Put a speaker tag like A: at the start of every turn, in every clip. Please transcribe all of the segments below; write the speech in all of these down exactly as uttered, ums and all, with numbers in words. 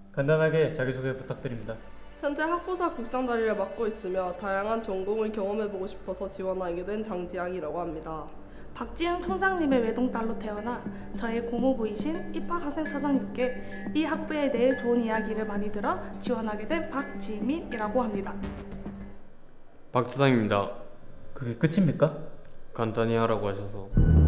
A: 간단하게 자기소개 부탁드립니다.
B: 현재 학부사 국장 자리를 맡고 있으며 다양한 전공을 경험해보고 싶어서 지원하게 된 장지향이라고 합니다.
C: 박지영 총장님의 외동딸로 태어나 저의 고모부이신 입학학생 차장님께 이 학부에 대해 좋은 이야기를 많이 들어 지원하게 된 박지민이라고 합니다.
D: 박 차장입니다.
A: 그게 끝입니까?
D: 간단히 하라고 하셔서.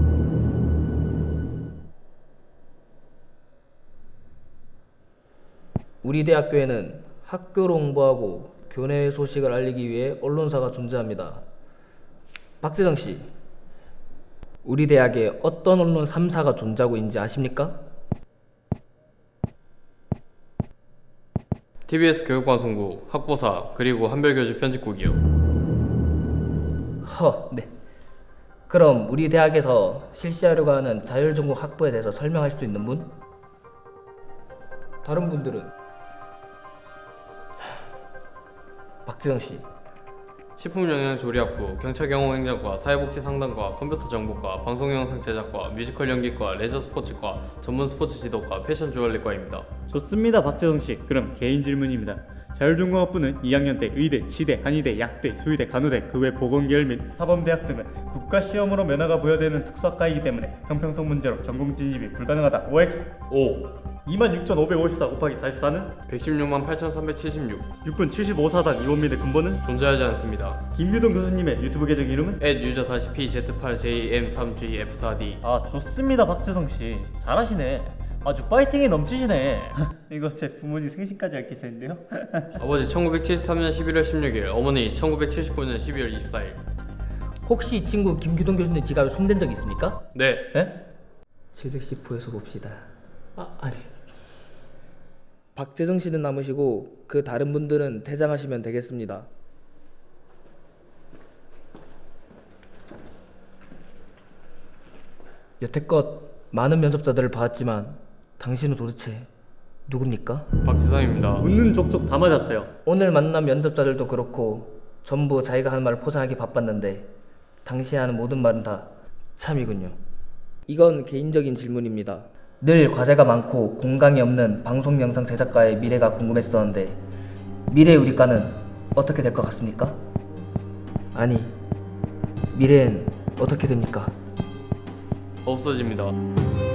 E: 우리 대학교에는 학교를 홍보하고 교내 소식을 알리기 위해 언론사가 존재합니다. 박재정 씨, 우리 대학에 어떤 언론 삼 사가 존재하고 있는지 아십니까?
D: 티비에스 교육방송국, 학보사, 그리고 한별교주 편집국이요.
E: 허, 네. 그럼 우리 대학에서 실시하려고 하는 자율전공 학부에 대해서 설명할 수 있는 분? 다른 분들은? 박재정 씨.
D: 식품영양조리학부, 경찰경호행정과, 사회복지상담과, 컴퓨터정보과, 방송영상 제작과, 뮤지컬 연기과, 레저스포츠과, 전문스포츠지도과, 패션주얼리과입니다.
A: 좋습니다, 박재성씨. 그럼 개인 질문입니다. 자율전공학부는 이 학년 때 의대, 치대, 한의대, 약대, 수의대, 간호대, 그 외 보건계열 및 사범대학 등은 국가시험으로 면허가 부여되는 특수학과이기 때문에 형평성 문제로 전공 진입이 불가능하다. 오엑스.
D: 오.
A: 이만 육천오백오십사 곱하기 사십사는?
D: 백십육만 팔천삼백칠십육.
A: 육군 칠십오 사단 이원민의 근본은?
D: 존재하지 않습니다.
A: 김유동 교수님의 유튜브 계정 이름은?
D: at 유저 사십 피 제트 팔 제이 엠 삼 지 에프 사 디.
A: 아, 좋습니다, 박재성씨. 잘하시네. 아주 파이팅이 넘치시네. 이거 제 부모님 생신까지 알 기세인데요.
D: 아버지 천구백칠십삼년 십일월 십육일, 어머니 천구백칠십구년 십이월 이십사일.
E: 혹시 이 친구 김규동 교수님 지갑에 손댄 적 있습니까?
D: 네.
A: 네?
E: 칠백십 호에서 봅시다. 아, 아니. 박재정 씨는 남으시고 그 다른 분들은 퇴장하시면 되겠습니다. 여태껏 많은 면접자들을 봐왔지만 당신은 도대체 누굽니까?
D: 박지성입니다.
A: 웃는 족족 다 맞았어요.
E: 오늘 만난 면접자들도 그렇고 전부 자기가 하는 말을 포장하기 바빴는데 당신이 하는 모든 말은 다 참이군요. 이건 개인적인 질문입니다. 늘 과제가 많고 공강이 없는 방송 영상 제작가의 미래가 궁금했었는데 미래의 우리과는 어떻게 될 것 같습니까? 아니, 미래엔 어떻게 됩니까?
D: 없어집니다.